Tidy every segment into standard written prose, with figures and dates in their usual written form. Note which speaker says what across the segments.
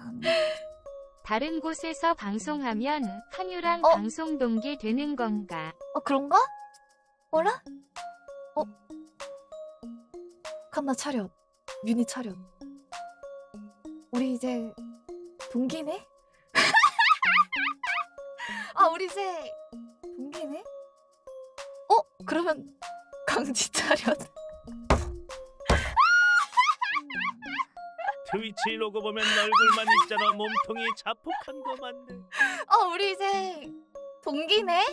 Speaker 1: 다른 곳에서 방송하면 한유랑
Speaker 2: 어?
Speaker 1: 방송 동기 되는 건가?
Speaker 2: 그런가? 뭐라? 칸나 차렷. 윤희 차렷. 우리 이제 동기네? 우리 이제 동기네? 그러면 강지 차렷.
Speaker 3: 트위치 로고 보면 얼굴만 있잖아. 몸통이 자폭한 거 맞네.
Speaker 2: 우리 이제 동기네?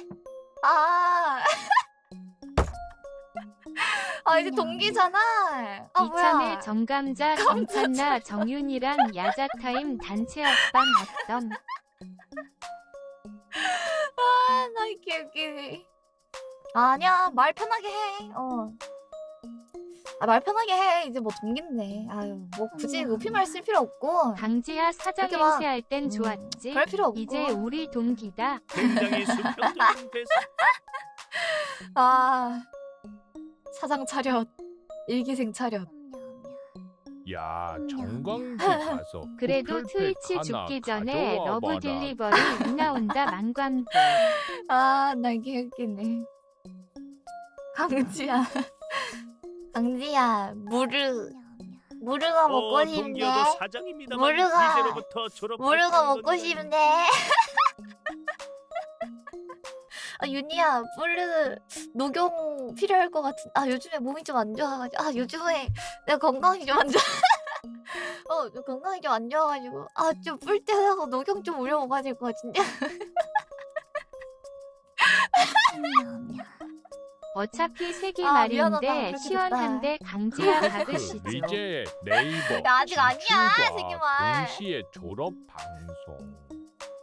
Speaker 2: 이제 동기잖아.
Speaker 1: 이참에
Speaker 2: 뭐야.
Speaker 1: 정감자, 정찬나, 정윤이랑 야자타임 단체 합방 어떤?
Speaker 2: 나 이렇게 웃기네. 아니야, 말 편하게 해. 말 편하게 해. 이제 뭐 동기인데. 뭐 굳이 높임말 쓸 필요 없고.
Speaker 1: 강지야 사장
Speaker 2: 그렇게 막,
Speaker 1: 행세할 땐 좋았지.
Speaker 2: 그럴 필요 없고.
Speaker 1: 이제 우리 동기다.
Speaker 3: 굉장히 수평적인 대사.
Speaker 2: 사장 차렷. 일기생 차렷.
Speaker 4: 야, 정광지 가서
Speaker 1: 그래도
Speaker 4: 호텔팩
Speaker 1: 트위치
Speaker 4: 하나
Speaker 1: 죽기 전에
Speaker 4: 가져와
Speaker 1: 러브
Speaker 4: 봐라.
Speaker 1: 딜리버리 못 나온다 만관부.
Speaker 2: 나 이게 웃기네. 강지야. 강지야, 무르가 먹고 싶네.
Speaker 3: 동기여도 사장입니다만
Speaker 2: 모르가-
Speaker 3: 이제로부터 졸업.
Speaker 2: 무르가 먹고 싶네. 윤희야, 무르 녹용 필요할 것 같은. 요즘에 몸이 좀 안 좋아가지고. 요즘에 내가 건강이 좀 안 좋아. 건강이 좀 안 좋아가지고. 좀 뿔때하고 녹용 좀 우려 먹어야 될 것 같은데.
Speaker 1: 어차피 세기
Speaker 2: 미안하다.
Speaker 1: 말인데
Speaker 2: 그렇게
Speaker 1: 시원한데 강지야 박으시죠.
Speaker 4: 리제 네이버
Speaker 2: 야, 아직 아니야,
Speaker 4: 진출과
Speaker 2: 세기말.
Speaker 4: 동시에 졸업 방송.